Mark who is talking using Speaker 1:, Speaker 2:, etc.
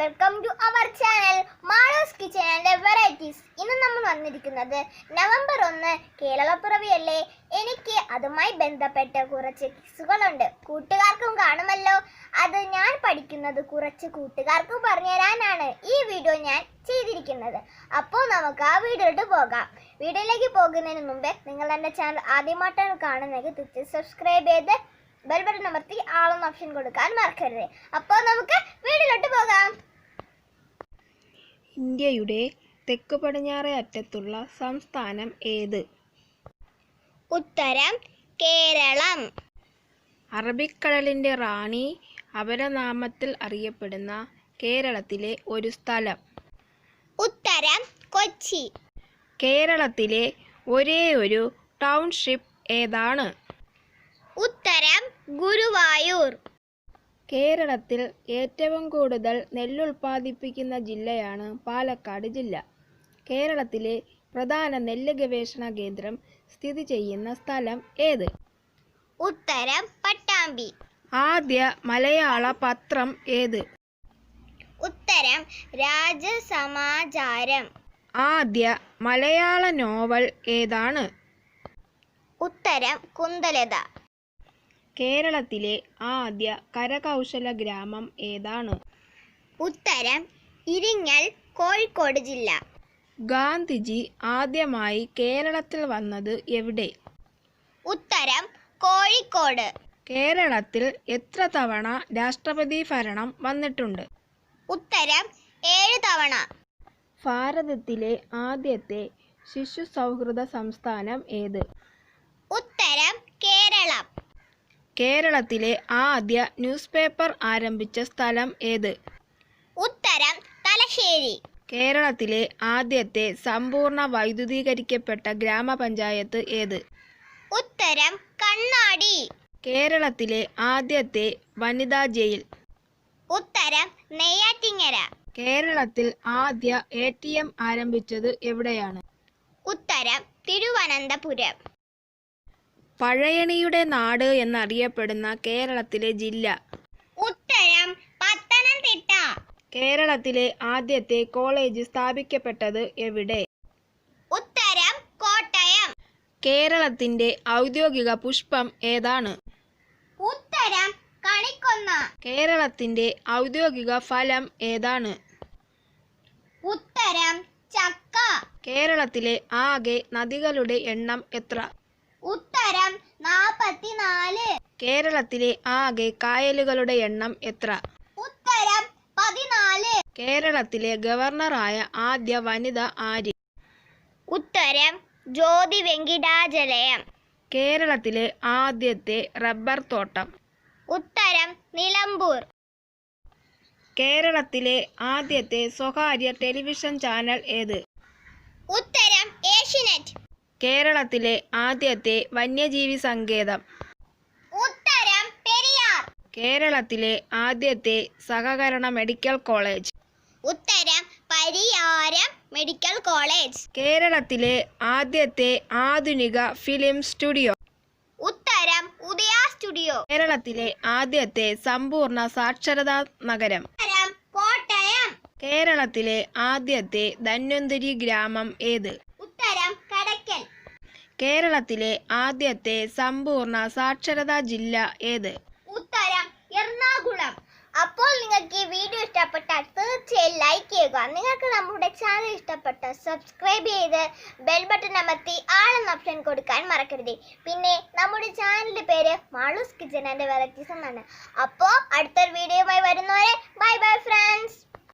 Speaker 1: Welcome to our channel Malu's kitchen and varieties. ഇന്ന് നമ്മൾ വന്നിരിക്കുന്നത് നവംബർ 1 കേരളപ്പിറവിയല്ലേ. എനിക്ക് അതുമായി ബന്ധപ്പെട്ട കുറച്ച് കിസ്സുകളുണ്ട്. കൂട്ടുകാർക്കും കാണുമല്ലോ. അത് ഞാൻ പഠിക്കുന്നത് കുറച്ച് കൂട്ടുകാർക്കും പറഞ്ഞു തരാനാണ് ഈ വീഡിയോ ഞാൻ ചെയ്തിരിക്കുന്നത്. അപ്പോൾ നമുക്ക് ആ വീഡിയോയിലോട്ട് പോകാം. വീഡിയോയിലേക്ക് പോകുന്നതിന് മുമ്പേ നിങ്ങൾ എൻ്റെ ചാനൽ ആദ്യമായിട്ടാണ് കാണുന്നതെങ്കിൽ തീർച്ചയായും സബ്സ്ക്രൈബ് ചെയ്ത് ബെൽ ബട്ടൺ അമർത്തി ആളെന്ന ഓപ്ഷൻ കൊടുക്കാൻ മറക്കരുത്. അപ്പോൾ നമുക്ക് വീഡിയോയിലോട്ട് പോകാം.
Speaker 2: ഇന്ത്യയുടെ തെക്കു പടിഞ്ഞാറേ അറ്റത്തുള്ള സംസ്ഥാനം ഏത്?
Speaker 1: ഉത്തരം കേരളം.
Speaker 2: അറബിക്കടലിൻ്റെ റാണി അപരനാമത്തിൽ അറിയപ്പെടുന്ന കേരളത്തിലെ ഒരു സ്ഥലം.
Speaker 1: ഉത്തരം കൊച്ചി.
Speaker 2: കേരളത്തിലെ ഒരേയൊരു ടൗൺഷിപ്പ് ഏതാണ്?
Speaker 1: ഉത്തരം ഗുരുവായൂർ.
Speaker 2: കേരളത്തിൽ ഏറ്റവും കൂടുതൽ നെല്ലുൽപ്പാദിപ്പിക്കുന്ന ജില്ലയാണ് പാലക്കാട് ജില്ല. കേരളത്തിലെ പ്രധാന നെല്ല് ഗവേഷണ കേന്ദ്രം സ്ഥിതി ചെയ്യുന്ന സ്ഥലം ഏത്?
Speaker 1: ഉത്തരം പട്ടാമ്പി.
Speaker 2: ആദ്യ മലയാള പത്രം ഏത്?
Speaker 1: ഉത്തരം രാജസമാചാരം.
Speaker 2: ആദ്യ മലയാള നോവൽ ഏതാണ്?
Speaker 1: ഉത്തരം കുന്തലത.
Speaker 2: കേരളത്തിലെ ആദ്യ കരകൗശല ഗ്രാമം ഏതാണ്?
Speaker 1: ഉത്തരം ഇരിങ്ങൽ, കോഴിക്കോട് ജില്ല.
Speaker 2: ഗാന്ധിജി ആദ്യമായി കേരളത്തിൽ വന്നത് എവിടെ?
Speaker 1: ഉത്തരം കോഴിക്കോട്.
Speaker 2: കേരളത്തിൽ എത്ര തവണ രാഷ്ട്രപതി ഭരണം വന്നിട്ടുണ്ട്?
Speaker 1: ഉത്തരം 7 തവണ.
Speaker 2: ഭാരതത്തിലെ ആദ്യത്തെ ശിശു സൗഹൃദ സംസ്ഥാനം ഏത്?
Speaker 1: ഉത്തരം കേരളം.
Speaker 2: കേരളത്തിലെ ആദ്യ ന്യൂസ് പേപ്പർ ആരംഭിച്ച സ്ഥലം ഏത്?
Speaker 1: ഉത്തരം തലശ്ശേരി.
Speaker 2: കേരളത്തിലെ ആദ്യത്തെ സമ്പൂർണ്ണ വൈദ്യുതീകരിക്കപ്പെട്ട ഗ്രാമപഞ്ചായത്ത് ഏത്?
Speaker 1: ഉത്തരം കണ്ണാടി.
Speaker 2: കേരളത്തിലെ ആദ്യത്തെ വനിതാ ജയിൽ?
Speaker 1: ഉത്തരം നെയ്യാറ്റിങ്ങര.
Speaker 2: കേരളത്തിൽ ആദ്യ ATM ആരംഭിച്ചത് എവിടെയാണ്?
Speaker 1: ഉത്തരം തിരുവനന്തപുരം.
Speaker 2: പഴയണിയുടെ നാട് എന്നറിയപ്പെടുന്ന കേരളത്തിലെ ജില്ല?
Speaker 1: ഉത്തരം പത്തനംതിട്ട.
Speaker 2: കേരളത്തിലെ ആദ്യത്തെ കോളേജ് സ്ഥാപിക്കപ്പെട്ടത് എവിടെ?
Speaker 1: ഉത്തരം കോട്ടയം.
Speaker 2: കേരളത്തിന്റെ ഔദ്യോഗിക പുഷ്പം ഏതാണ്?
Speaker 1: ഉത്തരം കണിക്കൊന്ന.
Speaker 2: കേരളത്തിന്റെ ഔദ്യോഗിക ഫലം ഏതാണ്?
Speaker 1: ഉത്തരം ചക്ക.
Speaker 2: കേരളത്തിലെ ആകെ നദികളുടെ എണ്ണം എത്ര?
Speaker 1: ഉത്തരം 44.
Speaker 2: കേരളത്തിലെ ആകെ കായലുകളുടെ എണ്ണം എത്ര?
Speaker 1: ഉത്തരം 14.
Speaker 2: കേരളത്തിലെ ഗവർണറായ ആദ്യ വനിത ആര്?
Speaker 1: ഉത്തരം ജ്യോതി വെങ്കിടാചലയം.
Speaker 2: കേരളത്തിലെ ആദ്യത്തെ റബ്ബർ തോട്ടം?
Speaker 1: ഉത്തരം നിലമ്പൂർ.
Speaker 2: കേരളത്തിലെ ആദ്യത്തെ സ്വകാര്യ ടെലിവിഷൻ ചാനൽ ഏത്?
Speaker 1: ഉത്തരം ഏഷ്യനെറ്റ്.
Speaker 2: കേരളത്തിലെ ആദ്യത്തെ വന്യജീവി സങ്കേതം?
Speaker 1: ഉത്തരം പെരിയാർ.
Speaker 2: കേരളത്തിലെ ആദ്യത്തെ സഹകരണ മെഡിക്കൽ കോളേജ്?
Speaker 1: ഉത്തരം പരിയാരം മെഡിക്കൽ കോളേജ്.
Speaker 2: കേരളത്തിലെ ആദ്യത്തെ ആധുനിക ഫിലിം സ്റ്റുഡിയോ?
Speaker 1: ഉത്തരം ഉദയ സ്റ്റുഡിയോ.
Speaker 2: കേരളത്തിലെ ആദ്യത്തെ സമ്പൂർണ്ണ സാക്ഷരതാ നഗരം?
Speaker 1: ഉത്തരം കോട്ടയം.
Speaker 2: കേരളത്തിലെ ആദ്യത്തെ ധന്വന്തരി ഗ്രാമം ഏത്?
Speaker 1: ഉത്തരം കടയ്ക്കൽ.
Speaker 2: കേരളത്തിലെ ആദ്യത്തെ സമ്പൂർണ്ണ സാക്ഷരതാ ജില്ല ഏത്?
Speaker 1: ഉത്തരം എറണാകുളം. അപ്പോൾ നിങ്ങൾക്ക് ഈ വീഡിയോ ഇഷ്ടപ്പെട്ടാൽ തീർച്ചയായും ലൈക്ക് ചെയ്യുക. നിങ്ങൾക്ക് നമ്മുടെ ചാനൽ ഇഷ്ടപ്പെട്ടാൽ സബ്സ്ക്രൈബ് ചെയ്ത് ബെൽ ബട്ടൺ അമർത്തി ആളെന്ന ഓപ്ഷൻ കൊടുക്കാൻ മറക്കരുത്. പിന്നെ നമ്മുടെ ചാനലിന്റെ പേര് മാളൂസ് കിച്ചൻ ആൻഡ് വെറൈറ്റീസ് എന്നാണ്. അപ്പോൾ അടുത്തൊരു വീഡിയോയുമായി വരുന്നവരെ ബൈ ബൈ ഫ്രണ്ട്സ്.